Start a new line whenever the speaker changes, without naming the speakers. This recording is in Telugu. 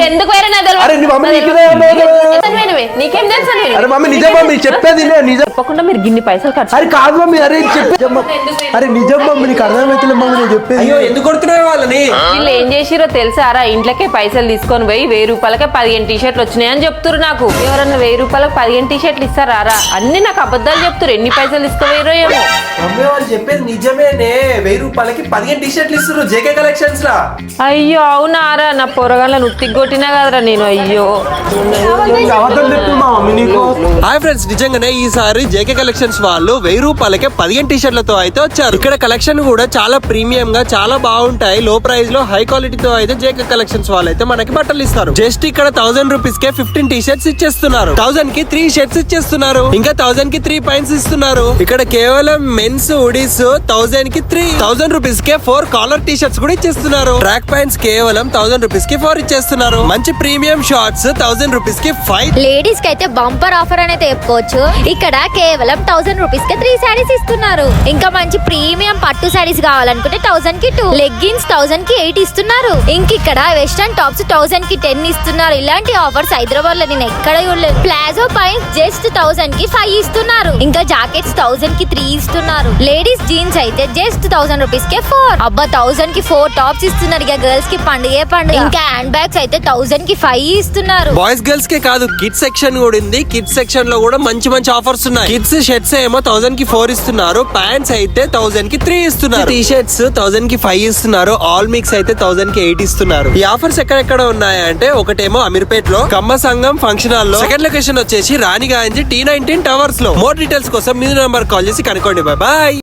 ఎందుకు వేరే నా తెలియదు.
అరే నీ మమ్మీ నీకే
నీకేం తెలుసు
అరే మమ్మీ నిజం మమ్మీ చెప్పేది నిజం
చెప్పకుండా మీరు గిన్ని పైసలు ఖర్చు.
అరే కాదు మమ్మీ అరే చెప్పే అరే నిజం మమ్మీ నీకు అర్థమైతే మమ్మీ నేను చెప్పేది.
అయ్యో ఎందుకు కొడుతున్నావు వాళ్ళని?
వీళ్ళు ఏం చేసిరో తెలుసారా? ఇంట్లోకే పైసలు తీసుకొని పోయి 1000 రూపాయలకే 15 టీ-షర్ట్లు వచ్చినాయని చెప్తున్నారు. నాకు ఎవరన్నా 1000 రూపాయలకు 15 టీ-షర్ట్లు ఇస్తారా? అన్ని నాకు అబద్ధాలు చెప్తారు. ఎన్ని పైసలు తీసుకుపోయారో ఏమో.
మమ్మీ వాళ్ళు చెప్పేది నిజమేనే. 1000 రూపాయలకి 15 టీ-షర్ట్లు ఇస్తారు జేకే కలెక్షన్స్ లా.
అయ్యో అవునారా? నా పొరగాళ్ళను ఉత్తికి కొట్టినా కదరా నేను. అయ్యో
హాయ్ ఫ్రెండ్స్, నిజంగానే ఈసారి జేకే కలెక్షన్స్ వాళ్ళు 1000 రూపాయలకే 15 టీ-షర్ట్లతో అయితే వచ్చారు. ఇక్కడ కలెక్షన్ కూడా చాలా ప్రీమియం గా చాలా బాగుంటాయి. లో ప్రైస్ లో హై క్వాలిటీతో అయితే జేకే కలెక్షన్స్ వాళ్ళు అయితే మనకి బట్టలు ఇస్తారు. జస్ట్ ఇక్కడ 1000 రూపీస్ కే 15 టీ-షర్ట్స్ ఇచ్చేస్తున్నారు. 1000 కి 3 షర్ట్స్ ఇచ్చేస్తున్నారు. ఇంకా 1000 కి 3 పాయింట్స్ ఇస్తున్నారు. ఇక్కడ కేవలం మెన్స్ హుడీస్ 1000 కి 3, 1000 రూపీస్ కే 4 కాలర్ టీ-షర్ట్స్ కూడా ఇచ్చేస్తున్నారు. ట్రాక్ పాయింట్స్ కేవలం 1000 రూపీస్ కి 4 ఇచ్చేస్తున్నారు. మంచి ప్రీమియం షార్ట్స్ 1000 రూపీస్ కి 5.
లేడీస్ కి అయితే బంపర్ ఆఫర్ అనేది చెప్పుకోవచ్చు. ఇక్కడ కేవలం 1000 రూపీస్ కి 3 శారీస్ ఇస్తున్నారు. ఇంకా మంచి ప్రీమియం పట్టు శారీస్ కావాలనుకుంటే 1000 కి 2, లెగ్గిన్స్ 1000 కి 8 ఇస్తున్నారు. ఇంక ఇక్కడ వెస్టర్న్ టాప్స్ 1000 కి 10 ఇస్తున్నారు. ఇలాంటి ఆఫర్స్ హైదరాబాద్ లో నేను ఎక్కడ చూడలేదు. ప్లాజో పాయింట్స్ జస్ట్ 1000 కి 5 ఇస్తున్నారు. ఇంకా జాకెట్స్ 1000 కి 3 ఇస్తున్నారు. లేడీస్ జీన్స్ అయితే జస్ట్ 1000 రూపీస్ కి 4. అబ్బా 1000 కి 4 టాప్స్ ఇస్తున్నారు. ఇక గర్ల్స్ కి పండుగే పండుగ. ఇంకా హ్యాండ్ బ్యాగ్స్ అయితే 1000 కి 5 ఇస్తున్నారు.
బాయ్స్ గర్ల్స్ కే కాదు, కిడ్స్ సెక్షన్ కూడా ఉంది. కిడ్స్ సెక్షన్ లో కూడా మంచి మంచి ఆఫర్స్ ఉన్నాయి. కిడ్స్ షర్ట్స్ ఏమో 1000 కి 4 ఇస్తున్నారు. ప్యాంట్స్ అయితే 1000 కి 3 ఇస్తున్నారు. టీ షర్ట్స్ 1000 కి 5 ఇస్తున్నారు. ఆల్ మిక్స్ అయితే 1000 కి 8 ఇస్తున్నారు. ఈ ఆఫర్స్ ఎక్కడెక్కడ ఉన్నాయంటే ఒకటేమో అమీర్పేట్ లో కమ్మ సంఘం ఫంక్షన్ హాల్ లో, సెకండ్ లొకేషన్ వచ్చేసి రాణిగాంజ్ T19 టవర్స్ లో. మోర్ డీటెయిల్స్ కోసం మీ నంబర్ కాల్ చేసి కనుక్కోండి. బాయ్.